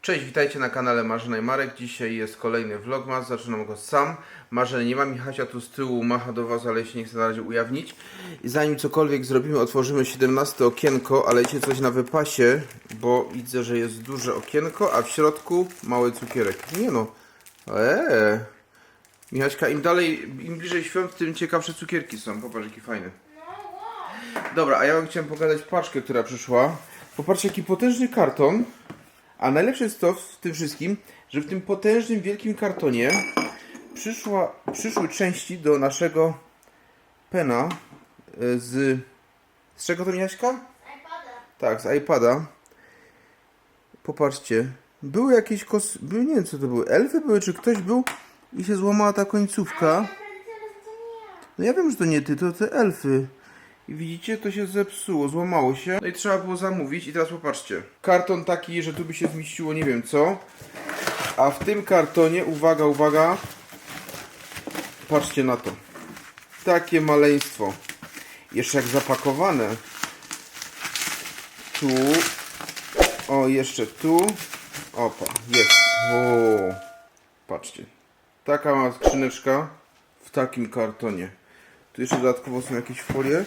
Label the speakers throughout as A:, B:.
A: Cześć, witajcie na kanale Marzena i Marek. Dzisiaj jest kolejny vlogmas, zaczynam go sam. Marzeny nie ma, Michasia tu z tyłu macha do was, ale się nie chcę na razie ujawnić. I zanim cokolwiek zrobimy, otworzymy 17 okienko, ale wiecie coś na wypasie, bo widzę, że jest duże okienko, a w środku mały cukierek. Nie no, Michaśka, im dalej, im bliżej świąt, tym ciekawsze cukierki są. Popatrz, jaki fajny. Dobra, a ja wam chciałem pokazać paczkę, która przyszła. Popatrzcie, jaki potężny karton. A najlepsze jest to w tym wszystkim, że w tym potężnym, wielkim kartonie przyszły części do naszego pena z czego to, Michaśka?
B: Z iPada.
A: Tak, z iPada. Popatrzcie. Były jakieś były, nie wiem co to były, elfy były, czy ktoś był i się złamała ta końcówka. No ja wiem, że to nie ty, to te elfy. I widzicie, to się zepsuło, złamało się. No i trzeba było zamówić. I teraz popatrzcie. Karton taki, że tu by się zmieściło nie wiem co. A w tym kartonie, uwaga, uwaga. Patrzcie na to. Takie maleństwo. Jeszcze jak zapakowane. Tu. O, jeszcze tu. Opa, jest. O, patrzcie. Taka mała skrzyneczka w takim kartonie. Tu jeszcze dodatkowo są jakieś folie.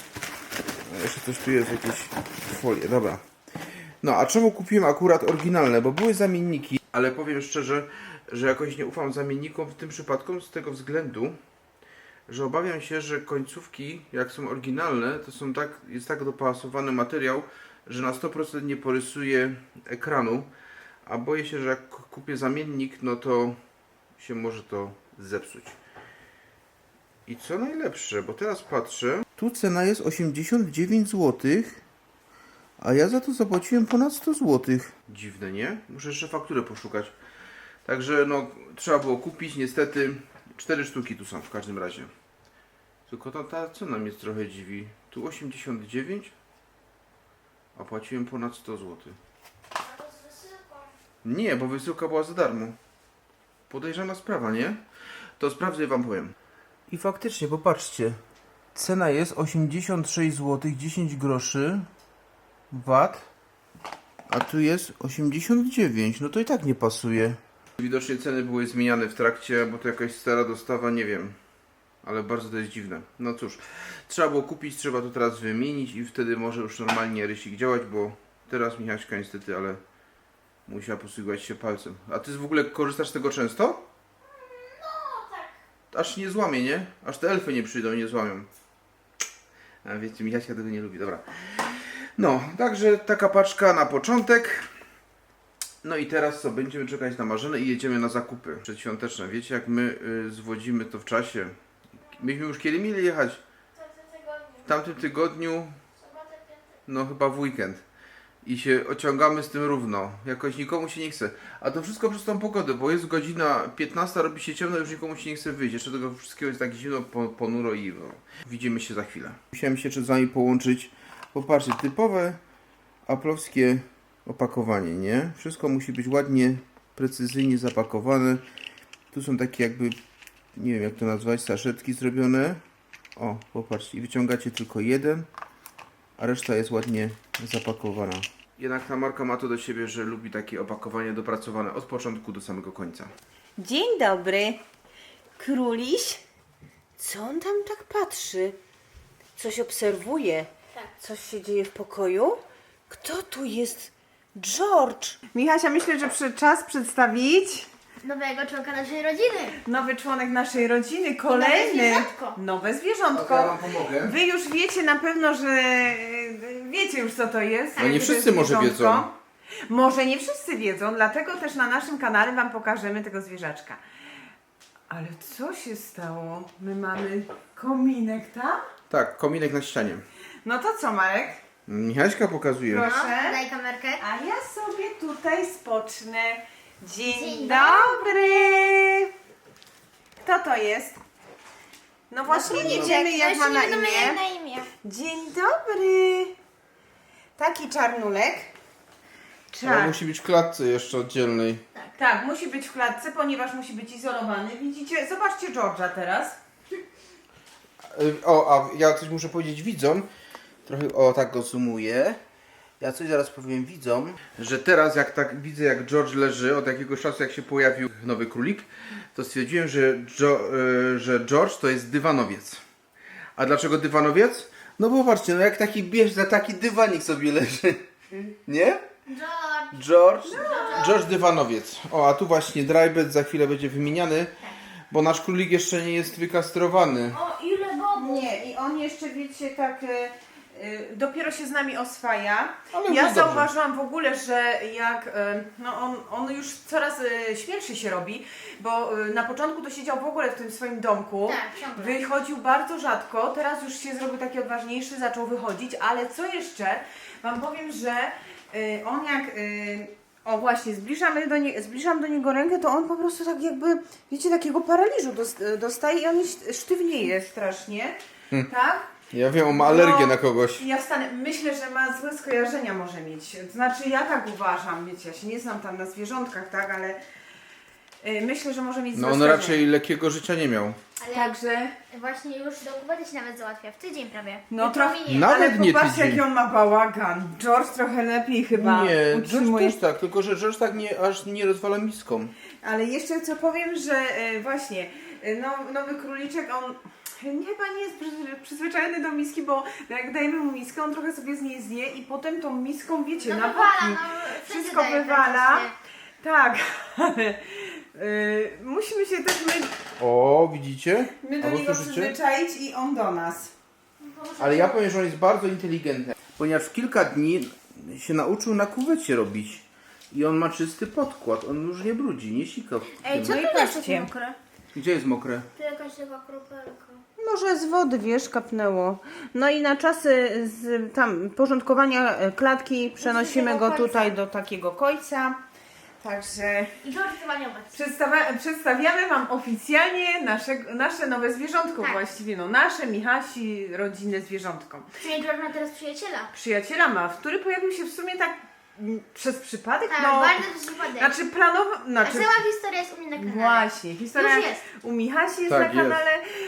A: A jeszcze coś tu jest, jakieś folie. Dobra. No, a czemu kupiłem akurat oryginalne? Bo były zamienniki, ale powiem szczerze, że jakoś nie ufam zamiennikom w tym przypadku z tego względu, że obawiam się, że końcówki, jak są oryginalne, to są jest tak dopasowany materiał, że na 100% nie porysuje ekranu, a boję się, że jak kupię zamiennik, no to się może to zepsuć. I co najlepsze, bo teraz patrzę, tu cena jest 89 zł, a ja za to zapłaciłem ponad 100 zł. Dziwne, nie? Muszę jeszcze fakturę poszukać. Także no, trzeba było kupić, niestety 4 sztuki tu są w każdym razie. Tylko ta cena mnie trochę dziwi. Tu 89, a płaciłem ponad 100 zł.
B: A to z wysyłką.
A: Nie, bo wysyłka była za darmo. Podejrzana sprawa, nie? To sprawdzę i wam powiem. I faktycznie, popatrzcie. Cena jest 86 zł 10 groszy VAT, a tu jest 89. No to i tak nie pasuje. Widocznie ceny były zmieniane w trakcie, bo to jakaś stara dostawa, nie wiem. Ale bardzo to jest dziwne. No cóż, trzeba było kupić, trzeba to teraz wymienić i wtedy może już normalnie rysik działać, bo teraz Michaśka niestety, ale musiała posługiwać się palcem. A ty w ogóle korzystasz z tego często?
B: No tak.
A: Aż nie złamie, nie? Aż te elfy nie przyjdą i nie złamią. A wiecie, Michaśka tego nie lubi, dobra. No, także taka paczka na początek. No i teraz co? Będziemy czekać na Marzenę i jedziemy na zakupy przedświąteczne. Wiecie, jak my zwodzimy to w czasie. Myśmy już kiedy mieli jechać? W tamtym tygodniu,
B: Sobotę, piątek.
A: no chyba w weekend. I się ociągamy z tym równo. Jakoś nikomu się nie chce. A to wszystko przez tą pogodę, bo jest godzina 15, robi się ciemno, już nikomu się nie chce wyjść. Jeszcze tego wszystkiego jest tak zimno, ponuro i no, widzimy się za chwilę. Musiałem się z wami połączyć. Popatrzcie, typowe aplowskie opakowanie, nie? Wszystko musi być ładnie, precyzyjnie zapakowane. Tu są takie jakby, nie wiem jak to nazwać, saszetki zrobione. O, popatrzcie, i wyciągacie tylko jeden, a reszta jest ładnie zapakowana. Jednak ta marka ma to do siebie, że lubi takie opakowanie dopracowane od początku do samego końca.
C: Dzień dobry. Króliś? Co on tam tak patrzy? Coś obserwuje?
B: Tak.
C: Coś się dzieje w pokoju? Kto tu jest? George. Michasia, myślę, że czas przedstawić
B: Nowego członka naszej rodziny.
C: nowy członek naszej rodziny, kolejny.
B: zwierzątko.
C: Nowe zwierzątko.
A: Ja wam pomogę.
C: Wy już wiecie na pewno, że wiecie już co to jest.
A: No nie
C: jakie to
A: wszyscy
C: jest
A: może
C: zwierzątko.
A: wiedzą.
C: Może nie wszyscy wiedzą, dlatego też na naszym kanale wam pokażemy tego zwierzaczka. Ale co się stało? My mamy kominek, tak?
A: Tak, kominek na ścianie.
C: No to co, Marek?
A: Michaśka pokazuje.
C: Proszę.
B: Daj kamerkę.
C: A ja sobie tutaj spocznę. Dzień,
B: Dzień
C: dobry! Kto to jest? No właśnie nie wiemy jak ma na imię.
B: Jak na imię.
C: Dzień dobry! Taki czarnulek.
A: Ale musi być w klatce jeszcze oddzielnej.
C: Tak, musi być w klatce, ponieważ musi być izolowany. Widzicie? Zobaczcie George'a teraz.
A: O, a ja coś muszę powiedzieć widzom. Trochę, o tak go zoomuję. Ja coś zaraz powiem widzom, że teraz jak tak widzę, jak George leży, od jakiegoś czasu jak się pojawił nowy królik, to stwierdziłem, że George to jest dywanowiec. A dlaczego dywanowiec? No bo patrzcie, no jak taki bierze, taki dywanik sobie leży. Nie? George dywanowiec. O, a tu właśnie drybed za chwilę będzie wymieniany, bo nasz królik jeszcze nie jest wykastrowany.
B: O, ile bobów!
C: Nie, i on jeszcze, wiecie, tak dopiero się z nami oswaja.
A: Ale
C: Ja
A: już
C: zauważyłam w ogóle, że jak no on już coraz śmielszy się robi, bo na początku to siedział w ogóle w tym swoim domku.
B: Tak, ciągle.
C: Wychodził bardzo rzadko, teraz już się zrobił taki odważniejszy, zaczął wychodzić, ale co jeszcze? Wam powiem, że on jak o właśnie, zbliżam do niego rękę, to on po prostu tak jakby, wiecie, takiego paraliżu dostaje i on sztywnieje strasznie, tak?
A: Ja wiem, on ma alergię
C: No,
A: na kogoś.
C: Ja wstanę, myślę, że ma złe skojarzenia może mieć, to znaczy ja tak uważam, wiecie, ja się nie znam tam na zwierzątkach, tak, ale myślę, że może mieć
A: No
C: złe
A: on
C: skojarzenia.
A: raczej lekkiego życia nie miał.
B: Ale
C: Także,
B: właśnie już do kuwety się nawet załatwia, w tydzień prawie.
C: no
B: Jutro
C: trochę,
B: minie.
A: Nawet
C: ale
A: nie
C: popatrzcie
A: tydzień.
C: jaki on ma bałagan. George trochę lepiej chyba
A: Nie, George
C: utrzymuje.
A: też tak, tylko że George tak nie, aż nie rozwala miską.
C: Ale jeszcze co powiem, że właśnie nowy króliczek, on chyba nie jest przyzwyczajony do miski, bo jak dajemy mu miskę, on trochę sobie z niej zje i potem tą miską, wiecie,
B: No
C: na
B: wywala,
C: boki
B: no, wszędzie
C: wszystko
B: daje
C: wywala.
B: praktycznie.
C: Tak, ale musimy się też
A: O, widzicie?
C: my do
A: Albo
C: niego
A: słyszycie?
C: przyzwyczaić i on do nas.
A: Ale ja powiem, że on jest bardzo inteligentny, ponieważ w kilka dni się nauczył na kuwecie robić. I on ma czysty podkład, on już nie brudzi, nie sika.
B: Ej, co
C: No
B: tu
C: i
B: jest
C: patrzcie.
B: mokre?
A: Gdzie jest mokre?
B: Tu jakaś taka kropelka.
C: Może z wody, wiesz, kapnęło. No i na czasy tam porządkowania klatki przenosimy go tutaj do takiego kojca. Także
B: I George chyba nie obecny.
C: przedstawiamy Wam oficjalnie nasze nowe zwierzątko
B: Tak.
C: właściwie. No nasze, Michasi, rodzinne zwierzątko.
B: Czyli George ma teraz przyjaciela.
C: Przyjaciela ma, który pojawił się w sumie tak przez przypadek.
B: Tak,
C: no,
B: bardzo to przypadek.
C: znaczy planowo...
B: A
C: Znaczy,
B: cała historia jest u mnie na kanale.
C: właśnie, historia
B: Już jest.
C: u Michasi jest
A: Tak,
C: na
A: jest.
C: kanale.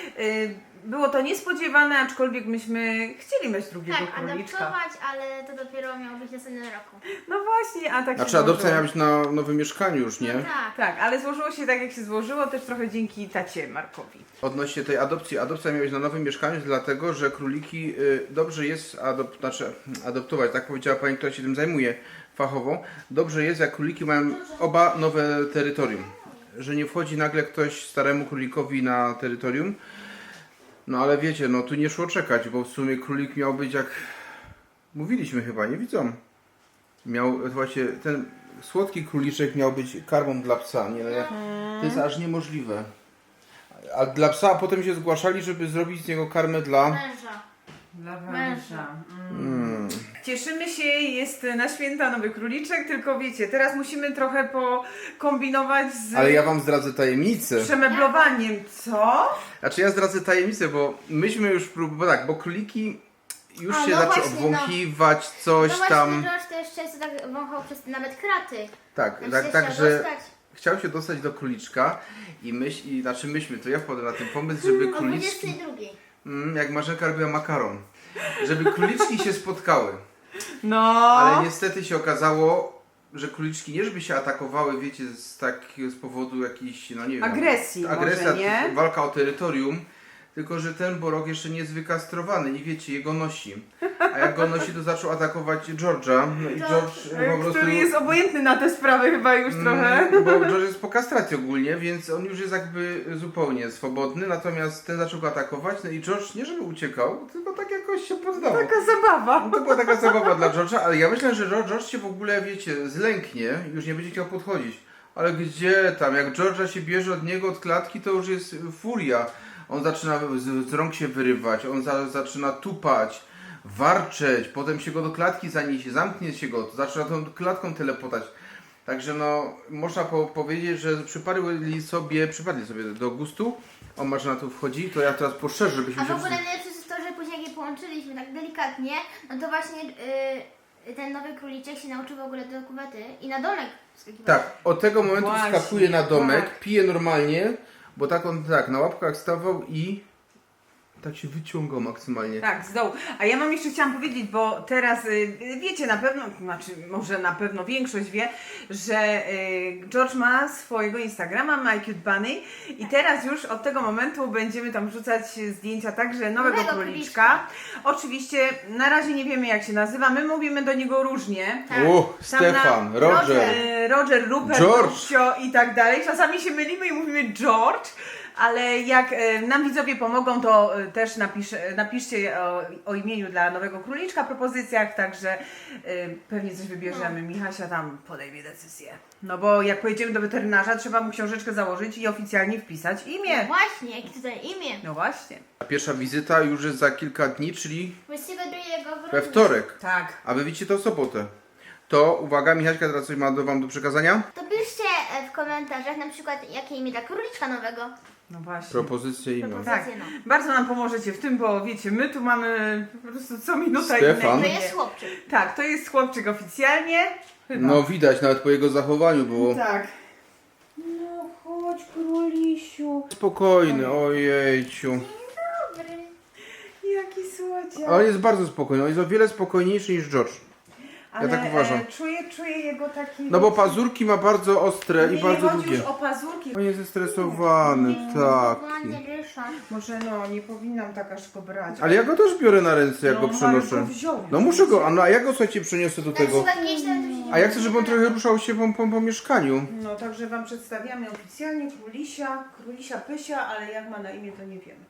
C: Było to niespodziewane, aczkolwiek myśmy chcieli mieć drugiego
B: Tak,
C: króliczka.
B: adaptować, ale to dopiero miało być następnym roku.
C: No właśnie, a tak
A: Znaczy
C: się
A: adopcja
C: złożyło.
A: miała być na nowym mieszkaniu już, nie?
B: No tak.
C: Tak, ale złożyło się tak jak się złożyło, też trochę dzięki tacie Markowi.
A: Odnośnie tej adopcji, adopcja miała być na nowym mieszkaniu, dlatego że króliki dobrze jest adoptować, tak powiedziała pani, która się tym zajmuje fachowo. Dobrze jest, jak króliki mają oba nowe terytorium. Że nie wchodzi nagle ktoś staremu królikowi na terytorium. No ale wiecie, no tu nie szło czekać, bo w sumie królik miał być jak mówiliśmy chyba, nie widzą. Miał właśnie ten słodki króliczek miał być karmą dla psa, nie? To jest aż niemożliwe. A dla psa, a potem się zgłaszali, żeby zrobić z niego karmę dla...
B: Męża.
C: Dla
B: Męża.
C: Cieszymy się, jest na święta nowy króliczek, tylko wiecie, teraz musimy trochę pokombinować z
A: Ale ja wam zdradzę tajemnicę.
C: przemeblowaniem. Co?
A: Znaczy ja zdradzę tajemnicę, bo myśmy już próbowali, tak, bo króliki już
B: A,
A: się
B: no
A: zaczęły
B: właśnie,
A: obwąchiwać, coś
B: No właśnie,
A: tam.
B: George też często tak wąchał przez nawet kraty.
A: Tak,
B: Znaczy
A: tak,
B: się
A: tak,
B: chciał
A: że
B: dostać.
A: chciał się dostać do króliczka i znaczy myśmy, to ja wpadłem na ten pomysł, żeby
B: O
A: króliczki,
B: 22.
A: jak Marzenka robiła makaron, żeby króliczki się spotkały.
C: No.
A: Ale niestety się okazało, że króliczki nie żeby się atakowały, wiecie, z powodu jakiejś, no nie wiem.
C: Agresji może,
A: agresja,
C: nie?
A: walka o terytorium, tylko że ten borok jeszcze nie jest wykastrowany i wiecie, jego nosi. A jak go nosi, to zaczął atakować George'a. No i George po prostu...
C: Który jest obojętny na te sprawy chyba już trochę.
A: Bo George jest po kastracji ogólnie, więc on już jest jakby zupełnie swobodny, natomiast ten zaczął go atakować, no i George nie żeby uciekał, tylko tak jakoś się poddawał.
C: Taka zabawa.
A: No to była taka zabawa dla George'a, ale ja myślę, że George się w ogóle, wiecie, zlęknie, już nie będzie chciał podchodzić. Ale gdzie tam, jak George'a się bierze od niego, od klatki, to już jest furia. On zaczyna z rąk się wyrywać, on zaczyna tupać, warczeć, potem się go do klatki zaniesie, zamknie się go, to zaczyna tą klatką telepotać. Także no, można powiedzieć, że przypadli sobie do gustu. O, Marzyna tu wchodzi, to ja teraz poszerzę, żebyśmy
B: A
A: się...
B: w ogóle najlepsze jest to, że później jak je połączyliśmy tak delikatnie, no to właśnie ten nowy króliczek się nauczył w ogóle do kuwety i na domek wskakiwać.
A: Tak, od tego momentu
C: Właśnie,
A: wskakuje na domek,
C: tak.
A: pije normalnie, bo tak on tak na łapkach stawał i Tak się wyciągał maksymalnie.
C: Tak, z dołu. A ja jeszcze chciałam powiedzieć, bo teraz wiecie na pewno, znaczy może na pewno większość wie, że George ma swojego Instagrama, My Cute Bunny, i teraz już od tego momentu będziemy tam wrzucać zdjęcia także nowego króliczka. Oczywiście na razie nie wiemy, jak się nazywa, my mówimy do niego różnie.
B: Tak.
A: Stefan, Roger.
C: Roger, Rupert,
A: George.
C: Rupcio i tak dalej. Czasami się mylimy i mówimy George, ale jak nam widzowie pomogą, to też napiszcie o imieniu dla nowego króliczka, propozycjach, także pewnie coś wybierzemy. Michasia tam podejmie decyzję. No bo jak pojedziemy do weterynarza, trzeba mu książeczkę założyć i oficjalnie wpisać imię.
B: Właśnie, jakie tutaj imię?
C: No właśnie.
A: Pierwsza wizyta już jest za kilka dni, czyli
B: 22
A: we
B: grudnia.
A: wtorek.
C: Tak.
A: A wy widzicie to w sobotę. To uwaga, Michaśka teraz coś ma wam do przekazania?
B: To piszcie w komentarzach na przykład jakie imię dla króliczka nowego.
C: No właśnie.
A: Propozycje imion.
C: Tak,
B: No.
C: bardzo nam pomożecie w tym, bo wiecie, my tu mamy po prostu co minuta
A: Stefan.
C: inne
B: To
C: imię.
B: jest chłopczyk.
C: Tak, to jest chłopczyk oficjalnie. Chyba.
A: No widać, nawet po jego zachowaniu było.
C: Tak. No chodź, królisiu.
A: Spokojny, ojejciu.
B: Dobry.
C: Jaki słodziak.
A: Ale jest bardzo spokojny, on jest o wiele spokojniejszy niż George.
C: Ale,
A: tak uważam.
C: Czuję jego taki...
A: No bo pazurki ma bardzo ostre i
C: nie
A: bardzo
C: chodzi
A: długie.
C: już o pazurki.
A: On jest zestresowany, tak.
B: Ładnie ryszą.
C: Może no, nie powinnam tak aż go brać.
A: Ale ja go też biorę na ręce, jak
C: No,
A: go
C: ale
A: przenoszę.
C: go wziął.
A: No muszę go, a ja go słuchajcie przeniosę do
B: Na
A: tego.
B: przykład kiedyś tam to się nie
A: A ja chcę, żeby on trochę ruszał się po mieszkaniu.
C: No także wam przedstawiamy oficjalnie królisia Pysia, ale jak ma na imię, to nie wiemy.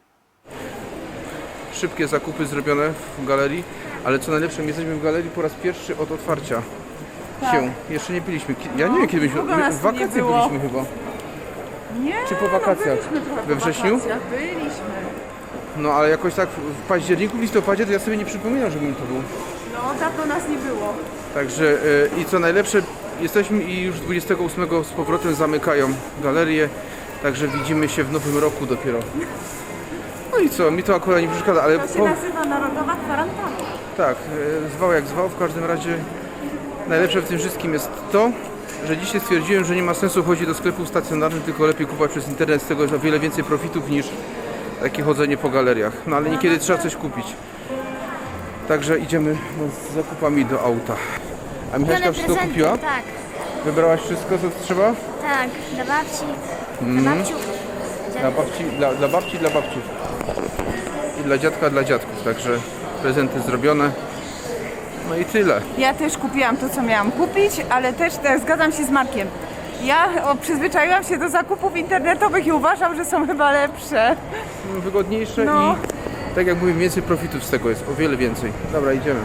A: Szybkie zakupy zrobione w galerii, ale co najlepsze, my jesteśmy w galerii po raz pierwszy od otwarcia się. Jeszcze nie byliśmy. Ja nie wiem kiedy byliśmy.
C: długo nas
A: W
C: tu nie
A: wakacje
C: było.
A: byliśmy chyba.
C: Nie,
A: Czy po wakacjach?
C: No, byliśmy trochę
A: We
C: po
A: wrześniu?
C: wakacjach, byliśmy.
A: No ale jakoś tak w październiku, w listopadzie to ja sobie nie przypominam, żebym to był.
C: No, dawno nas nie było.
A: Także i co najlepsze, jesteśmy i już 28 z powrotem zamykają galerię, także widzimy się w nowym roku dopiero. No i co, mi to akurat nie przeszkadza, ale
C: To się nazywa Narodowa Kwarantanna.
A: tak, zwał jak zwał, w każdym razie najlepsze w tym wszystkim jest to, że dzisiaj stwierdziłem, że nie ma sensu chodzić do sklepów stacjonarnych, tylko lepiej kupować przez internet, z tego jest o wiele więcej profitów niż takie chodzenie po galeriach. No ale niekiedy trzeba coś kupić. Także idziemy z zakupami do auta. A Michaśka wszystko kupiła?
B: Tak,
A: Wybrałaś wszystko, co trzeba?
B: tak. Dla babci. Dla babciów.
A: Dla babci, dla babci, dla babci. I dla dziadka, dla dziadków. Także prezenty zrobione. No i tyle.
C: Ja też kupiłam to, co miałam kupić, ale też zgadzam się z Markiem. Ja przyzwyczaiłam się do zakupów internetowych i uważam, że są chyba lepsze.
A: Wygodniejsze
C: No.
A: i tak jak mówię, więcej profitów z tego jest. O wiele więcej. Dobra, idziemy.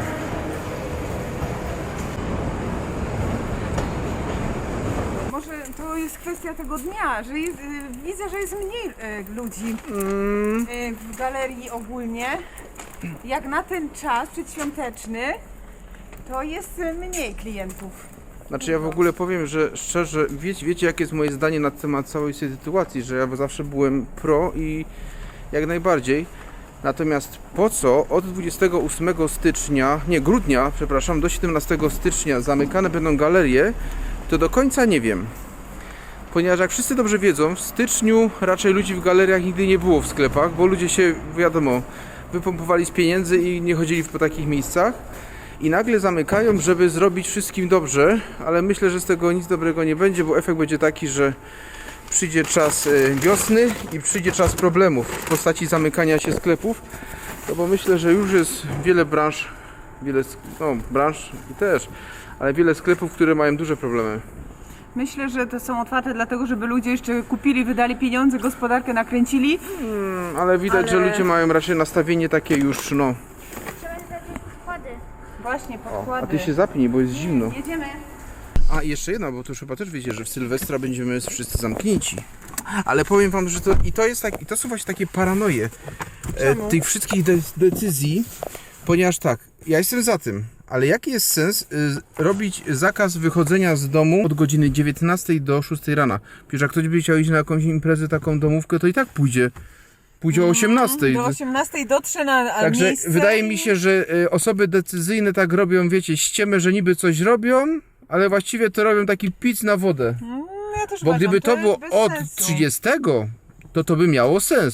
C: Może to jest kwestia tego dnia, że jest, widzę, że jest mniej ludzi w galerii ogólnie. Jak na ten czas przedświąteczny, to jest mniej klientów.
A: Znaczy ja w ogóle powiem, że szczerze, wiecie jakie jest moje zdanie na temat całej tej sytuacji, że ja zawsze byłem pro i jak najbardziej. Natomiast po co od 28 stycznia, nie grudnia, przepraszam, do 17 stycznia zamykane będą galerie, to do końca nie wiem. Ponieważ jak wszyscy dobrze wiedzą, w styczniu raczej ludzi w galeriach nigdy nie było w sklepach, bo ludzie się, wiadomo, wypompowali z pieniędzy i nie chodzili po takich miejscach. I nagle zamykają, żeby zrobić wszystkim dobrze, ale myślę, że z tego nic dobrego nie będzie, bo efekt będzie taki, że przyjdzie czas wiosny i przyjdzie czas problemów w postaci zamykania się sklepów, no bo myślę, że już jest wiele branż, branż i też, ale wiele sklepów, które mają duże problemy.
C: Myślę, że to są otwarte dlatego, żeby ludzie jeszcze kupili, wydali pieniądze, gospodarkę nakręcili.
A: Ale widać, że ludzie mają raczej nastawienie takie już, no.
B: Trzeba zrobić podkłady.
C: Właśnie,
A: A
C: podkłady.
A: ty się zapnij, bo jest zimno.
C: Jedziemy.
A: A jeszcze jedna, bo to już chyba też wiecie, że w Sylwestra będziemy wszyscy zamknięci. Ale powiem wam, że to są właśnie takie paranoje tych wszystkich decyzji, ponieważ tak, ja jestem za tym, ale jaki jest sens robić zakaz wychodzenia z domu od godziny 19 do 6 rana? Przecież jak ktoś by chciał iść na jakąś imprezę, taką domówkę, to i tak pójdzie. Pójdzie o 18.
C: Do 18 dotrze na
A: Także
C: miejsce.
A: wydaje mi się, że osoby decyzyjne tak robią, wiecie, ściemę, że niby coś robią, ale właściwie to robią taki pic na wodę.
C: Ja też
A: Bo
C: uważam,
A: gdyby to
C: jest
A: było
C: bez
A: od
C: sensu.
A: 30, to by miało sens.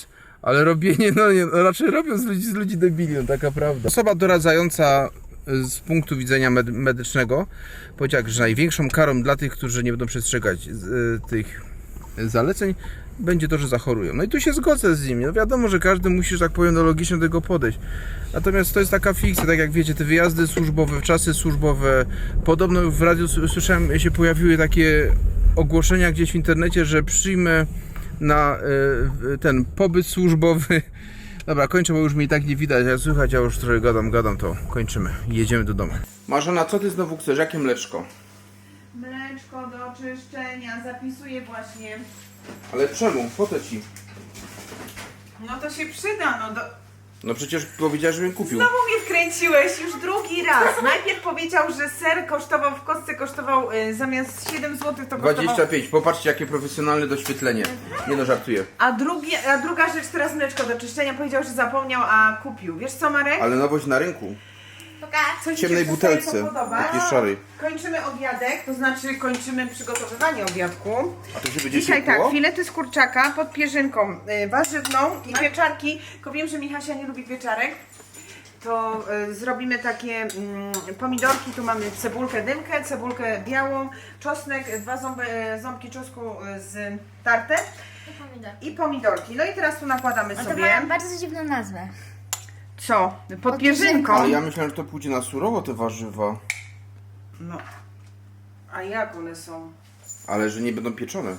A: Ale robienie, no nie, no raczej robią z ludzi debili, no taka prawda. Osoba doradzająca z punktu widzenia medycznego powiedziała, że największą karą dla tych, którzy nie będą przestrzegać tych zaleceń, będzie to, że zachorują. No i tu się zgodzę z nimi. No wiadomo, że każdy musi, że tak powiem, no logicznie do tego podejść. Natomiast to jest taka fikcja, tak jak wiecie, te wyjazdy służbowe, czasy służbowe. Podobno w radiu słyszałem, się pojawiły takie ogłoszenia gdzieś w internecie, że przyjmę na ten pobyt służbowy. Dobra, kończę, bo już mnie i tak nie widać, jak słychać, ja już trochę gadam, to kończymy. Jedziemy do domu. Marzena, co ty znowu chcesz? Jakie mleczko?
C: Mleczko do czyszczenia, zapisuję właśnie.
A: Ale czemu? Po to ci.
C: No to się przyda, no do...
A: No przecież powiedziałeś, żebym kupił.
C: Znowu mnie wkręciłeś już drugi raz. Najpierw powiedział, że ser kosztował w kostce, kosztował zamiast 7 zł to kosztował...
A: 25, popatrzcie jakie profesjonalne doświetlenie. Nie no, żartuję.
C: A druga rzecz, teraz mleczko do czyszczenia, powiedział, że zapomniał, a kupił. Wiesz co, Marek?
A: Ale nowość na rynku.
B: Pokaż.
C: Coś
A: W ciemnej
C: ci się tutaj
A: butelce,
C: podoba?
A: takiej szarej.
C: Kończymy obiadek, to znaczy kończymy przygotowywanie obiadku.
A: A to się będzie
C: Dzisiaj
A: ciepło?
C: tak, filety z kurczaka pod pierzynką warzywną i pieczarki. Tylko wiem, że Michasia nie lubi pieczarek. To zrobimy takie pomidorki, tu mamy cebulkę dymkę, cebulkę białą, czosnek, 2 ząbki czosnku z tarte
B: I pomidor.
C: i pomidorki. No i teraz tu nakładamy
B: No to
C: sobie...
B: ma bardzo dziwną nazwę.
C: Co? Pod pierzynką.
B: pierzynką.
A: Ale ja myślałem, że to pójdzie na surowo te warzywa.
C: No. A jak one są?
A: Ale że nie będą pieczone.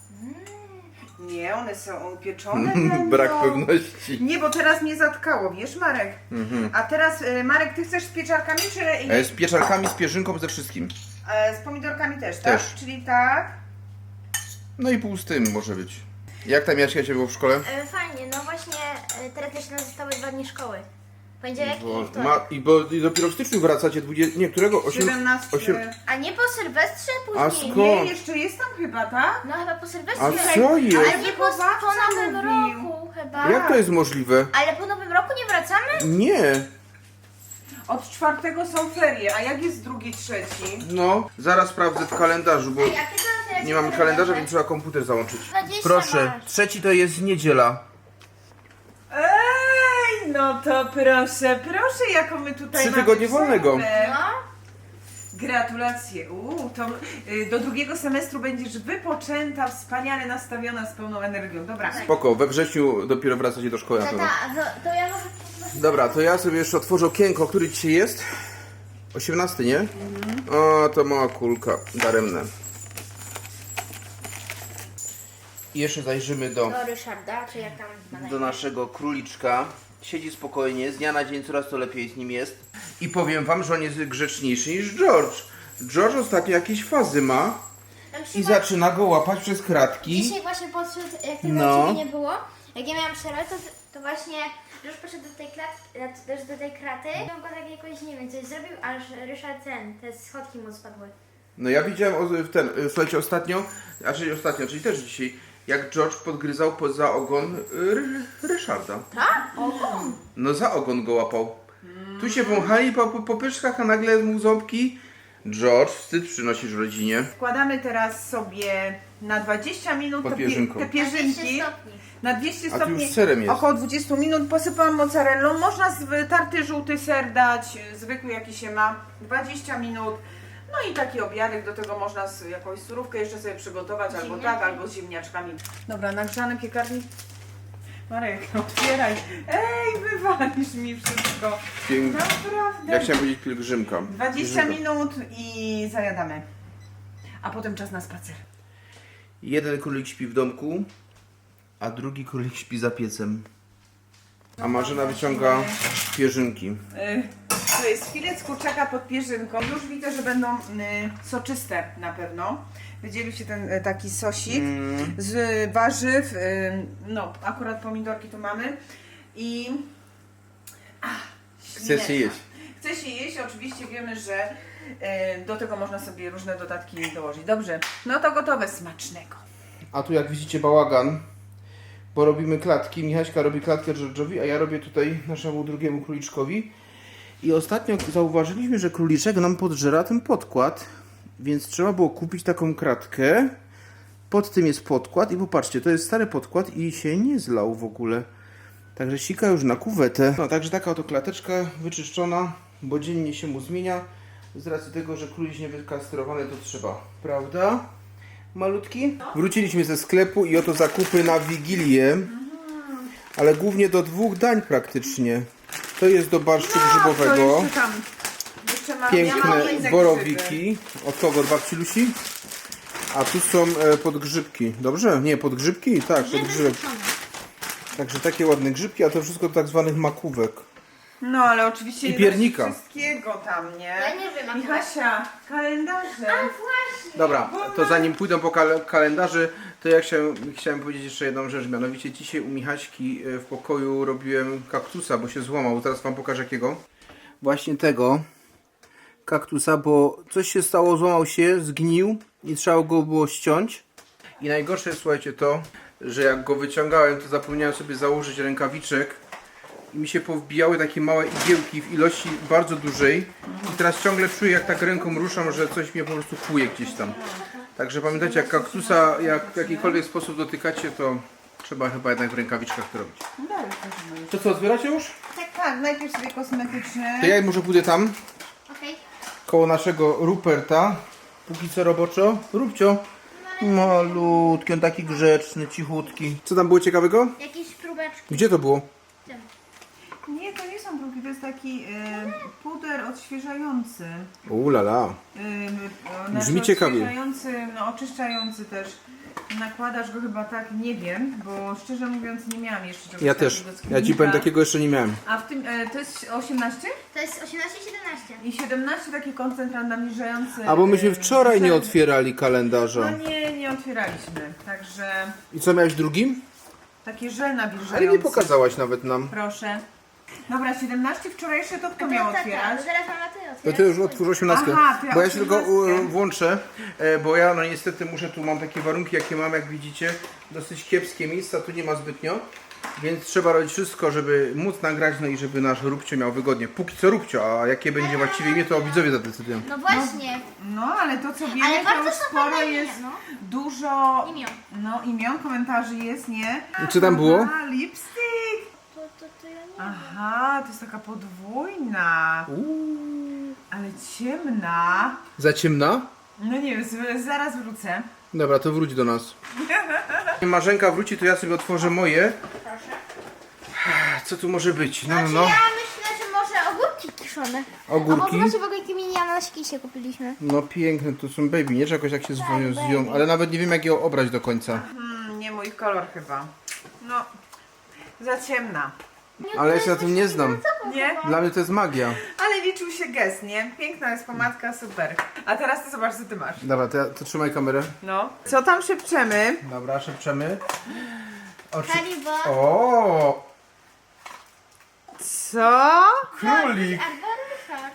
C: Nie, one są pieczone będą.
A: Brak pewności.
C: Nie, bo teraz mnie zatkało, wiesz, Marek? A teraz, Marek, ty chcesz z pieczarkami, czy
A: Z pieczarkami, z pierzynką, ze wszystkim.
C: z pomidorkami też, tak?
A: Też.
C: Czyli tak.
A: No i pół z tym może być. Jak tam Jaśka się było w szkole?
B: Fajnie, no właśnie teraz jeszcze nas zostały 2 dni szkoły. Poniedziałek i wtorek.
A: I dopiero w styczniu wracacie 20... Nie, którego?
C: 17.
A: 8...
B: A nie po Sylwestrze
A: A
B: później?
A: skąd?
C: Nie, jeszcze jest tam chyba, tak?
B: No chyba po Sylwestrze.
A: A co jest?
B: Ale nie po
C: Wychowawca
B: nowym
C: mówił.
B: roku chyba.
A: Jak to jest możliwe?
B: Ale po nowym roku nie wracamy?
A: Nie.
C: Od 4 są ferie, a jak jest drugi, trzeci?
A: No, zaraz sprawdzę w kalendarzu, bo
B: Jakie to teraz
A: nie mamy kalendarza, więc trzeba komputer załączyć.
B: 20
A: Proszę,
B: masz.
A: trzeci to jest niedziela.
C: Ej, no to proszę, proszę, jaką my tutaj
A: 3
C: mamy
A: tygodnie wolnego.
C: przerwę.
B: No.
C: Gratulacje. To do drugiego semestru będziesz wypoczęta, wspaniale nastawiona, z pełną energią. Dobra.
A: Spoko, we wrześniu dopiero wracacie do szkoły na pewno.
B: Tata, to ja może...
A: Dobra, to ja sobie jeszcze otworzę okienko, który dzisiaj jest? 18, nie? O, to mała kulka, daremne. I jeszcze zajrzymy do
B: Ryszarda, czy jak tam ma na
A: do naszego króliczka. Siedzi spokojnie, z dnia na dzień coraz to lepiej z nim jest. I powiem wam, że on jest grzeczniejszy niż George. George ostatnio jakieś fazy ma i zaczyna go łapać przez kratki.
B: Dzisiaj właśnie podszedł, jak tego
A: No.
B: ciebie nie było, jak ja miałam przerwę, to właśnie już poszedł do tej klatki, też do tej kraty. On go tak jakoś, nie wiem, coś zrobił, aż Ryszard te schodki mu spadły.
A: No ja widziałem słuchajcie, ostatnio, czyli też dzisiaj, jak George podgryzał za ogon Ryszarda.
B: Tak? Ogon?
A: No za ogon go łapał. Tu się wąchali po pyszkach, a nagle mu ząbki. George, wstyd przynosisz rodzinie.
C: Wkładamy teraz sobie na 20 minut
A: Pod
C: te
A: pierzynką.
C: te pierzynki.
B: 200 stopni.
C: Na 200
A: A tu
C: stopni.
A: już z serem jest.
C: Około 20 minut posypałam mozzarellą. Można tarty żółty ser dać, zwykły jaki się ma. 20 minut. No i taki obiadek, do tego można jakąś surówkę jeszcze sobie przygotować, albo tak, albo z ziemniaczkami. Dobra, nagrzany piekarnik. Marek, otwieraj. Ej, wywalisz mi wszystko.
A: Pięknie.
C: Naprawdę.
A: Ja chciałem powiedzieć pielgrzymka.
C: 20 minut i zajadamy. A potem czas na spacer.
A: Jeden królik śpi w domku, a drugi królik śpi za piecem. A Marzena wyciąga pierzynki.
C: To jest filet z kurczaka pod pierzynką. Już widzę, że będą soczyste na pewno. Wydzielił się ten taki sosik z warzyw. No, akurat pomidorki tu mamy. I...
A: Chcesz się jeść?
C: Chce się jeść, oczywiście wiemy, że do tego można sobie różne dodatki dołożyć. Dobrze, no to gotowe, smacznego.
A: A tu jak widzicie bałagan, bo robimy klatki. Michaśka robi klatkę George'owi, a ja robię tutaj naszemu drugiemu króliczkowi. I ostatnio zauważyliśmy, że króliczek nam podżera ten podkład, więc trzeba było kupić taką kratkę. Pod tym jest podkład i popatrzcie, to jest stary podkład i się nie zlał w ogóle. Także sika już na kuwetę. No, także taka oto klateczka wyczyszczona, bo dziennie się mu zmienia. Z racji tego, że królik niewykastrowany to trzeba, prawda? Malutki? Wróciliśmy ze sklepu i oto zakupy na Wigilię. Ale głównie do 2 dań praktycznie. To jest do barszczu grzybowego.
C: To jeszcze tam. Jeszcze mam, ja mam
A: Piękne
C: język
A: borowiki. Od kogo? Od babci Lusi? A tu są podgrzybki. Dobrze? Nie, podgrzybki? Tak, podgrzybek. Także takie ładne grzybki, a to wszystko do tak zwanych makówek.
C: No ale oczywiście
A: I
C: nie
A: piernika.
C: da się wszystkiego tam, nie?
B: Ja nie wiem,
C: Michasia, kalendarze.
B: Właśnie.
A: Dobra, to zanim pójdą po kalendarzy, to ja chciałem powiedzieć jeszcze jedną rzecz. Mianowicie dzisiaj u Michaśki w pokoju robiłem kaktusa, bo się złamał. Zaraz wam pokażę jakiego. Właśnie tego kaktusa, bo coś się stało, złamał się, zgnił i trzeba go było ściąć. I najgorsze jest, słuchajcie, to, że jak go wyciągałem, to zapomniałem sobie założyć rękawiczek i mi się powbijały takie małe igiełki w ilości bardzo dużej i teraz ciągle czuję, jak tak ręką ruszam, że coś mnie po prostu kłuje gdzieś tam. Także pamiętajcie, jak kaktusa jak w jakikolwiek sposób dotykacie, to trzeba chyba jednak w rękawiczkach to robić. To co, zbieracie już?
C: Tak, najpierw sobie kosmetyczne.
A: To ja może pójdę tam,
B: Okej.
A: koło naszego Ruperta. Póki co roboczo. Rubcio. Malutki, on taki grzeczny, cichutki. Co tam było ciekawego?
B: Jakieś próbeczki.
A: Gdzie to było?
C: Nie, to nie są próbki, to jest taki puder odświeżający.
A: Lala. Brzmi ciekawie.
C: Odświeżający, no oczyszczający też. Nakładasz go chyba tak, nie wiem, bo szczerze mówiąc nie miałam jeszcze czegoś
A: Ja
C: takiego
A: też.
C: z
A: Ja ci
C: sklepnika.
A: powiem, takiego jeszcze nie miałem.
C: A w tym, to jest 18?
B: To jest 18 i 17.
C: I 17 taki koncentrat nawilżający.
A: A bo myśmy wczoraj nie
C: żel.
A: otwierali kalendarza.
C: No nie otwieraliśmy, także
A: I co miałeś w drugim?
C: taki żel nawilżający.
A: Ale nie pokazałaś nawet nam.
C: Proszę. Dobra, 17 wczorajsze to kto miał otwierać?
B: Zaraz mama ty
A: To
B: otwierasz.
A: ty już otwórz 18.
C: Aha, to ja
A: Bo ja się tylko
C: 18.
A: włączę, bo ja no niestety muszę, tu mam takie warunki jakie mam, jak widzicie, dosyć kiepskie miejsca, tu nie ma zbytnio, więc trzeba robić wszystko, żeby móc nagrać, no i żeby nasz Rubcio miał wygodnie. Póki co Rubcio, a jakie będzie właściwie imię, to widzowie zadecydują.
B: No właśnie.
C: No ale to co
B: Ale
C: wiemy, to
B: bardzo
C: już
B: są
C: sporo
B: fajne
C: jest,
B: imię, no.
C: dużo
B: Imion.
C: imion, komentarzy jest, nie?
A: I co tam było?
C: Aha, lipstick!
B: To ja nie
C: Aha, to jest taka podwójna, ale ciemna.
A: Za ciemna?
C: No nie wiem, zaraz wrócę.
A: Dobra, to wróć do nas. Marzenka wróci, to ja sobie otworzę moje.
B: Proszę.
A: Co tu może być? No,
B: Znaczy ja myślę, że może ogórki kiszone.
A: Ogórki?
B: Albo zobaczcie w ogóle jakie mini ananaski się kupiliśmy.
A: No piękne, to są baby, nie? Że jakoś tak się zwiją,
B: baby.
A: ale nawet nie wiem jak je obrać do końca.
C: Nie mój kolor chyba. No, za ciemna.
A: Ale ja się na tym nie znam.
C: Nie?
A: Dla mnie to jest magia.
C: Ale liczył się gest, nie? Piękna jest pomadka, super. A teraz ty zobacz, co ty masz.
A: Dobra, to trzymaj kamerę.
C: No. Co tam szepczemy?
A: Dobra, szepczemy.
B: Haribo.
A: O,
C: Co?
A: królik!
B: Arboryszar.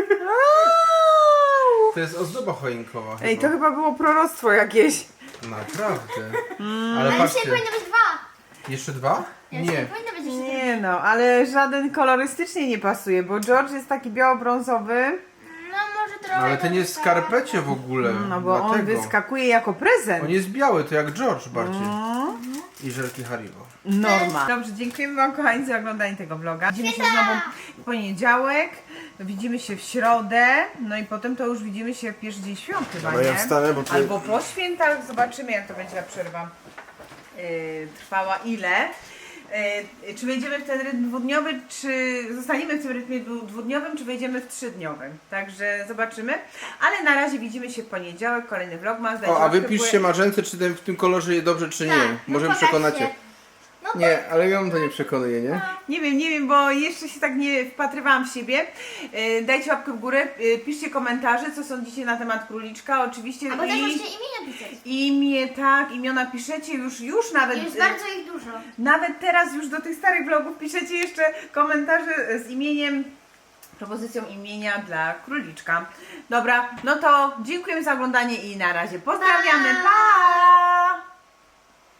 A: To jest ozdoba choinkowa.
C: Ej, to chyba było proroctwo jakieś.
A: Naprawdę. Ale
B: Ale dzisiaj
A: patrzcie,
B: powinno być 2.
A: jeszcze 2?
B: Nie.
A: Nie.
B: Powinno być jeszcze
C: Nie no, ale żaden kolorystycznie nie pasuje, bo George jest taki biało-brązowy.
B: No może trochę.
A: Ale ten jest w skarpecie w ogóle.
C: No bo on
A: dlatego.
C: wyskakuje jako prezent.
A: On jest biały, to jak George bardziej.
C: No.
A: I żelki Haribo.
C: Norma. Dobrze, dziękujemy wam kochani za oglądanie tego vloga. Widzimy się znowu w poniedziałek, widzimy się w środę, no i potem to już widzimy się w pierwszy dzień świąt chyba,
A: Dobra, ja
C: nie?
A: wstanę, bo to-
C: Albo po świętach, zobaczymy jak to będzie ta przerwa trwała, ile. Czy wejdziemy w ten rytm dwudniowy, czy zostaniemy w tym rytmie dwudniowym, czy wejdziemy w trzydniowym. Także zobaczymy. Ale na razie widzimy się w poniedziałek, kolejny vlogmas.
A: O, a wy piszcie Marzence, czy w tym kolorze jest dobrze, czy nie.
B: Tak,
A: Może
B: no
A: przekonacie.
B: pokażcie. No to
A: Nie, ale ją to nie przekonuje, nie?
C: Nie wiem, bo jeszcze się tak nie wpatrywałam w siebie. Dajcie łapkę w górę, piszcie komentarze, co sądzicie na temat króliczka, oczywiście.
B: albo też możecie imienia pisać.
C: Imię, tak, imiona piszecie już nawet.
B: Jest bardzo ich dużo.
C: Nawet teraz już do tych starych vlogów piszecie jeszcze komentarze z imieniem, propozycją imienia dla króliczka. Dobra, no to dziękujemy za oglądanie i na razie pozdrawiamy. Pa!